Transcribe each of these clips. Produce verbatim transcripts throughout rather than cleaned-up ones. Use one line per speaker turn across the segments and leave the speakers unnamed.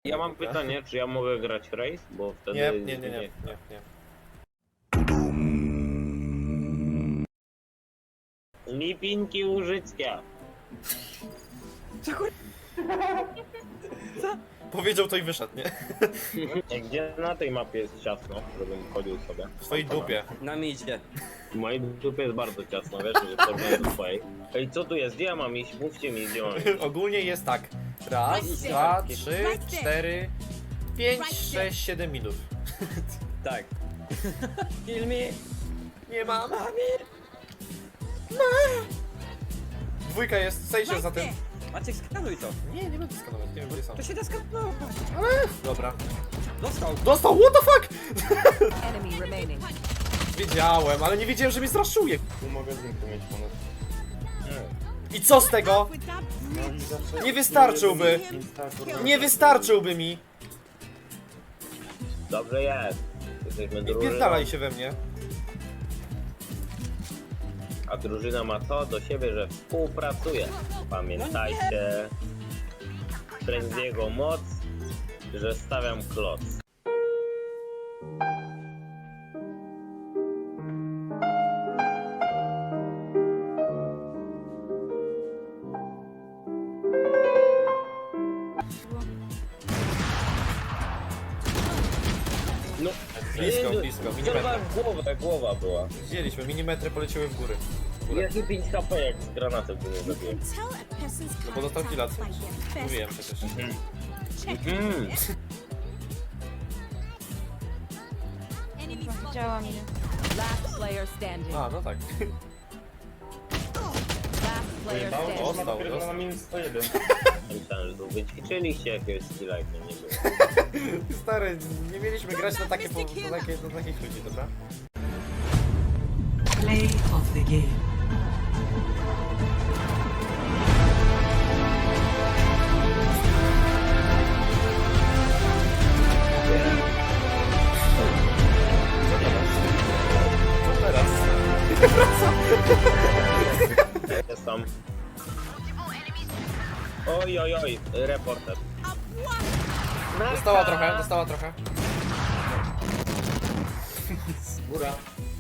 Ja mam pytanie, czy ja mogę grać race? Bo wtedy...
Nie, nie, nie, nie, nie, nie.
Lipinki Łużyckia.
Powiedział to i wyszedł, nie?
Gdzie na tej mapie jest ciasno, żebym chodził sobie?
W swojej dupie.
Na midzie.
W mojej dupie jest bardzo ciasno, wiesz, że porównanie do twojej. Ej, co tu jest? Gdzie ja mam iść? Mówcie mi, gdzie mam iść.
Ogólnie jest tak. Raz, dwa, trzy, cztery, pięć, sześć, siedem minut.
Tak. Kill me.
Nie mam. Dwójka jest, sejdzie za tym.
Maciek, skanuj to.
Nie, nie będę skanować, nie wiem gdzie są.
To się da skanować.
Dobra.
Dostał.
Dostał, what the fuck?
Enemy remaining.
Wiedziałem, ale nie wiedziałem, że mnie straszuje.
Tu mogę zniknąć mieć ponad.
I co z tego? Nie wystarczyłby. Nie wystarczyłby mi.
Dobrze jest. Jesteśmy
Nie
drużyną.
pierdalaj się we mnie.
A drużyna ma to do siebie, że współpracuje. Pamiętajcie, Frenziego moc, że stawiam kloc. No,
Blisko,
nie,
blisko,
Chyba
milimetr.
głowa, głowa była.
Widzieliśmy, milimetry poleciały w góry. W górę.
Jakie pięć H P jak z granatem to nie zabiłem.
No bo dostał killa. Mówiłem przecież.
Mhm.
Widziała mnie.
Last player standing.
A, no tak.
Last player standing.
Dostał, dostał.
Myślałem, że tu wyćwiczyliście jakiegoś skilla, jak mnie nie było.
Stary, nie mieliśmy grać na takie, po- na takie, na takich ludzi, dobra?
Play of the game.
Co teraz?
Jest tam. Oj, oj, oj, reporter.
Dostała trochę, dostała trochę.
Góra.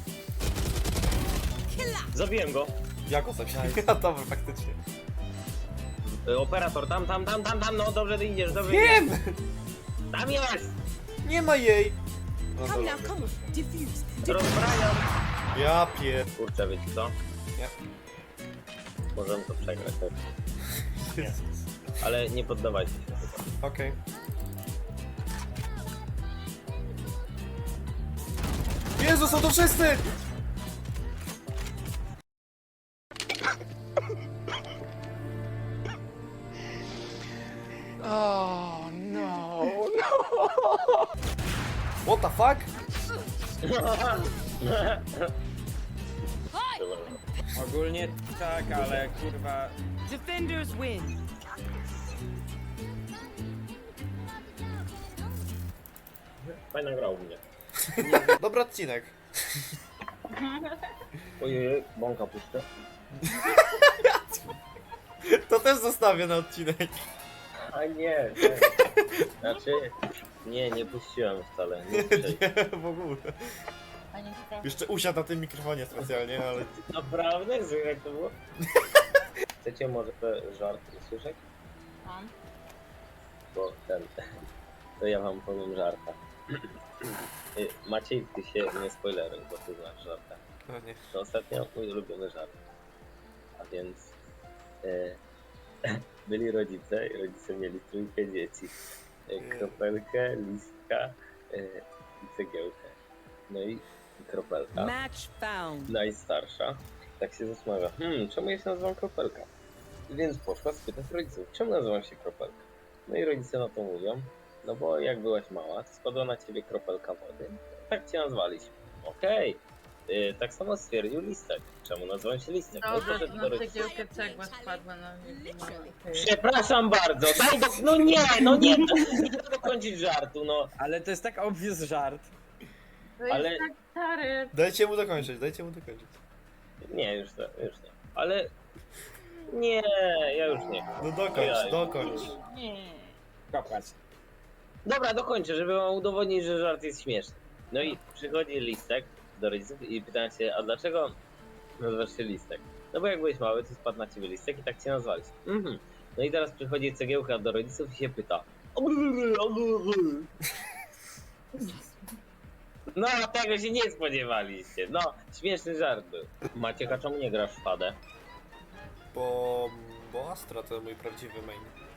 Zabiłem go.
Jak go sobie? A dobra, faktycznie.
Y, Operator, tam, tam, tam, tam, tam, no dobrze ty idziesz, dobrze
Wiem!
idziesz. Tam jest!
Nie ma jej! No
Come
dobra.
now, come on. Diffuse.
Rozbrajam.
Ja pier...
Kurczę, wiecie co?
Nie.
Możemy to przegrać, tak?
Jezus.
Ale nie poddawajcie się chyba.
Okej. Jezu, są to wszyscy! Oh no, no! What the fuck?
Ogólnie tak, ale kurwa.
Defenders win.
Fajna gra u mnie.
Dobry odcinek.
Ojej, bąka puszczę.
To też zostawię na odcinek.
A nie, nie. Znaczy, nie, nie puściłem wcale. Nie, puszczaj.
Nie, w ogóle. Jeszcze usiadł na tym mikrofonie specjalnie, ale...
Naprawdę? Jak to było? Chcecie może te żarty usłyszeć?
Mam.
Bo ten... To ja wam powiem żarta. Y, Maciej, ty się nie spoileruj, bo ty znasz żarta.
No nie.
To ostatnio mój ulubiony żart. A więc... Y, byli rodzice i rodzice mieli trójkę dzieci. Y, kropelkę, listka y, i cegiełkę. No i kropelka.
Match found.
Najstarsza, tak się zastanawia, hmm, czemu ja się nazywam Kropelka? Więc poszła spytać rodziców, czemu nazywam się Kropelka? No i rodzice na to mówią, no bo jak byłaś mała, to spadła na ciebie kropelka wody, tak cię nazwaliśmy. Okej, okay. Tak samo stwierdził Listek, czemu nazywam się Listek? No,
Dobrze,
poszedł do
na
rodziców.
cegiełkę cegła spadła na mnie.
Przepraszam bardzo, daj do... no nie, no nie, to nie da dokończyć żartu, no.
Ale to jest tak obvious żart.
To jest
Ale-
tak stary.
Dajcie mu dokończyć, dajcie mu dokończyć.
Nie, już nie, już nie. Ale... Nie, ja już nie.
No dokończ, dokończ.
Nie.
Kopać.
Dobra, dokończę, żeby wam udowodnić, że żart jest śmieszny. No i przychodzi listek do rodziców i pytają się, a dlaczego nazywasz się listek? No bo jak byłeś mały, to spadł na ciebie listek i tak cię nazwali. Mhm. No i teraz przychodzi cegiełka do rodziców i się pyta. No, tego się nie spodziewaliście. No, śmieszny żart był. Maciek, a czemu nie grasz w Fadę?
Bo... bo Astra to mój prawdziwy main.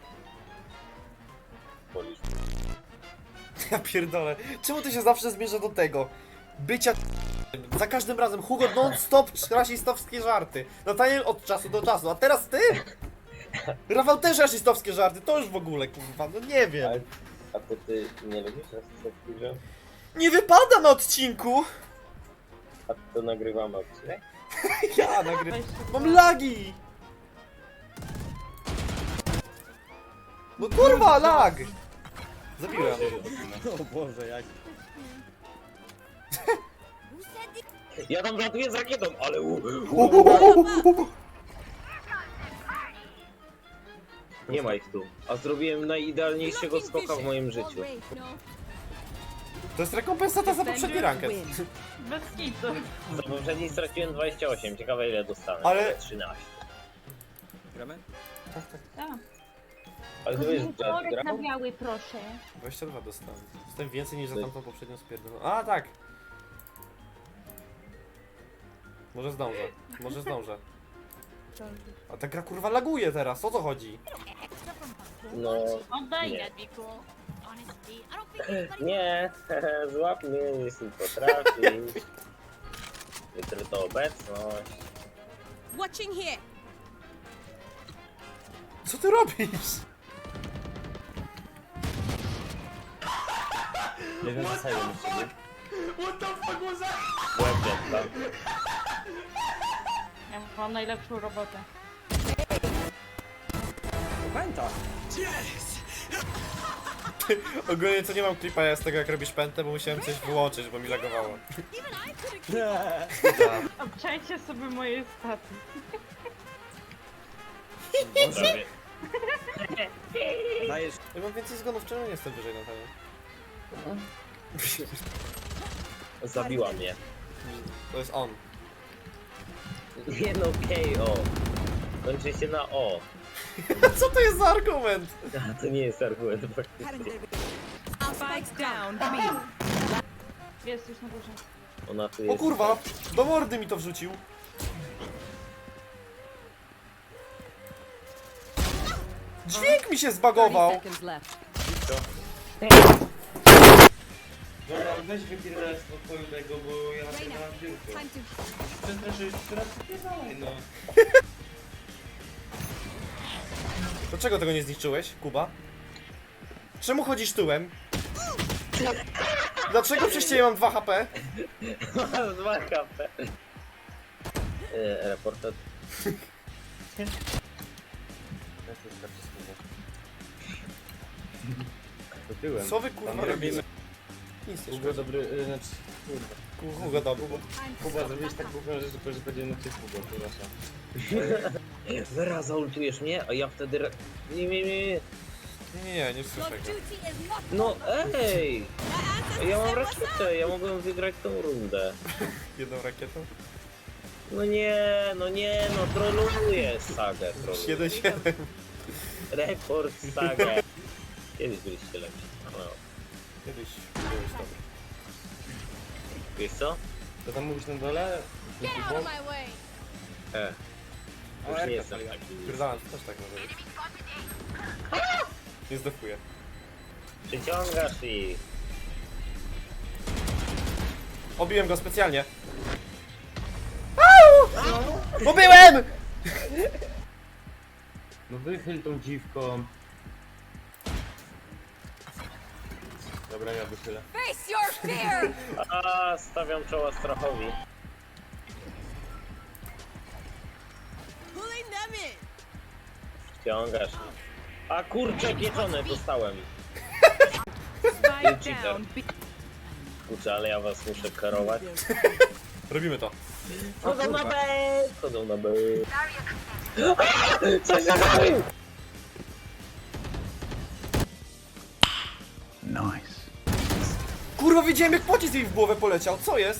Polisz.
Ja pierdolę. Czemu to się zawsze zmierza do tego? Bycia za każdym razem Hugo non-stop rasistowskie żarty. Nataniel od czasu do czasu, a teraz ty? Rafał też rasistowskie żarty, to już w ogóle kurwa, no nie wiem.
Ale, a to ty nie lubisz rasistowskich żartów?
Nie wypada na odcinku!
A to nagrywamy odcinek?
Ja nagrywam. Mam lagi! No kurwa, lag! Zabiłem.
O Boże, jak...
Ja tam ratuję z rakietą, ale u... Nie ma ich tu. A zrobiłem najidealniejszego skoka w moim życiu.
To jest rekompensata za poprzedni ranket.
Bez kitu.
Za poprzedniej straciłem dwadzieścia osiem, ciekawe ile dostanę.
Ale-
trzynaście.
Gramy?
Tak.
Ale to wiesz, że
Kolorek na
grał?
biały, proszę.
dwadzieścia dwa dostałem. Dostałem więcej niż za tamtą poprzednią spierdolą. A tak! Może zdążę, może zdążę. A ta gra kurwa laguje teraz, o co chodzi?
No...
Oddaj.
Nie. Nie, złap mnie jeśli potrafisz. Jutro to obecność.
Watching here.
Co ty robisz?
Nie wiem, co sobie myśli.
What the fuck was that?
Łeb dziecka.
Ja mam najlepszą robotę.
Pęta!
Ogólnie to nie mam klipa ja z tego jak robisz pętę, bo musiałem coś wyłączyć, bo mi lagowało.
Obczajcie sobie moje staty.
Prawie.
Dajesz...
Ja mam więcej zgonów, czemu nie jestem wyżej na pewno?
Zabiła mnie.
To jest on.
Nie no, K O. Kończy się na O.
Co to jest za argument?
A to nie jest argument faktycznie.
Spike down. B.
Jest już na górze.
Ona tu
O
jest...
kurwa, do mordy mi to wrzucił. Dźwięk mi się zbagował.
thirty seconds left.
Dobra, weź wypierdalaj z pokoju tego, bo ja napierdalam biurko.
Time to
Przestraszyłeś, teraz wypierdalaj, no.
Dlaczego tego nie zniszczyłeś, Kuba? Czemu chodzisz tyłem? Dlaczego przez ciebie mam dwa H P?
dwa H P. E, reporter.
To tyłem.
Co wy kurwa
Tam
robicie?
robimy.
Nic,
Hugo dobry, y, znaczy... Kurwa.
Hugo dobry.
Kuba, zrobiłeś tak głupią rzecz, że powiedziałem na ciebie Hugo, przepraszam.
Zaraz zaultujesz mnie, a ja wtedy... Re... Nie, nie, nie, nie.
Nie, nie, nie słyszę go.
No ej! Ja mam rakietę, ja mogłem wygrać tą rundę.
Jedną rakietą?
No nie, no nie, no troluję sagę, troluję.
jeden siedem.
Rekord sagę. Kiedyś byliście lepsi. No.
Kiedyś byłeś dobry.
Wiesz co?
To tam mówisz na dole?
E,
O,
już nie
Erka
jestem
paliła.
taki.
Pierdolę, to też tak może być. Nie zdefuję.
Przyciągasz i...
Obiłem go specjalnie. Au! Bo byłem!
No wychyl tą dziwką. Dobra, ja wychylę.
Face your fear.
A, stawiam czoła strachowi.
Pulling them in.
Wciągasz. A kurczę, pieczone dostałem.
Spike down. B.
Kurczę, ale ja was muszę karować.
Robimy to.
Chodzą na B! Chodzą na B. Coś za
Kurwa, widziałem jak pocisk jej w głowę poleciał, co jest?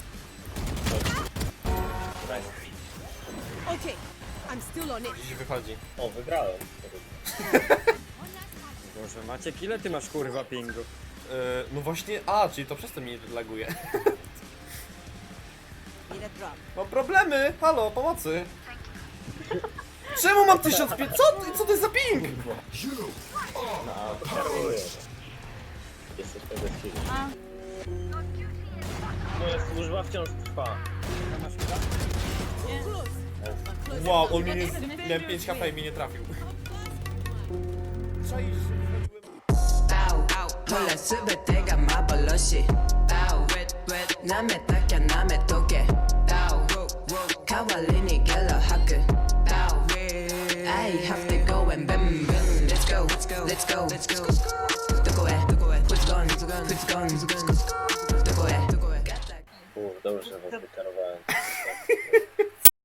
Okay, I'm still on it.
Gdzieś wychodzi.
O, wygrałem.
Boże, Maciek, ile ty masz kurwa pingu?
Yy, no właśnie, a, czyli to przez to mnie laguje.
Need a drop.
Mam problemy, halo, pomocy. Czemu mam tysiąc pięćset? Co, ty- co to jest za ping?
No, obserwuję. Jesteś tego chwili.
A,
Moja służba wciąż trwa.
A masz chyba?
Close.
Wow, on mnie nie... Miałem pięć H P i mnie nie trafił. Czaisz, że wychodziłem...
몰라 수배때가 마블러시 남의 딱야 남의 도개 가왈리니 갤러 하크 I have to go and bam bam Let's go, let's go, let's go, let's go 누구해, who's gone, who's gone 누구해, 누구해
Uff, dobrze, że was wykarowałem.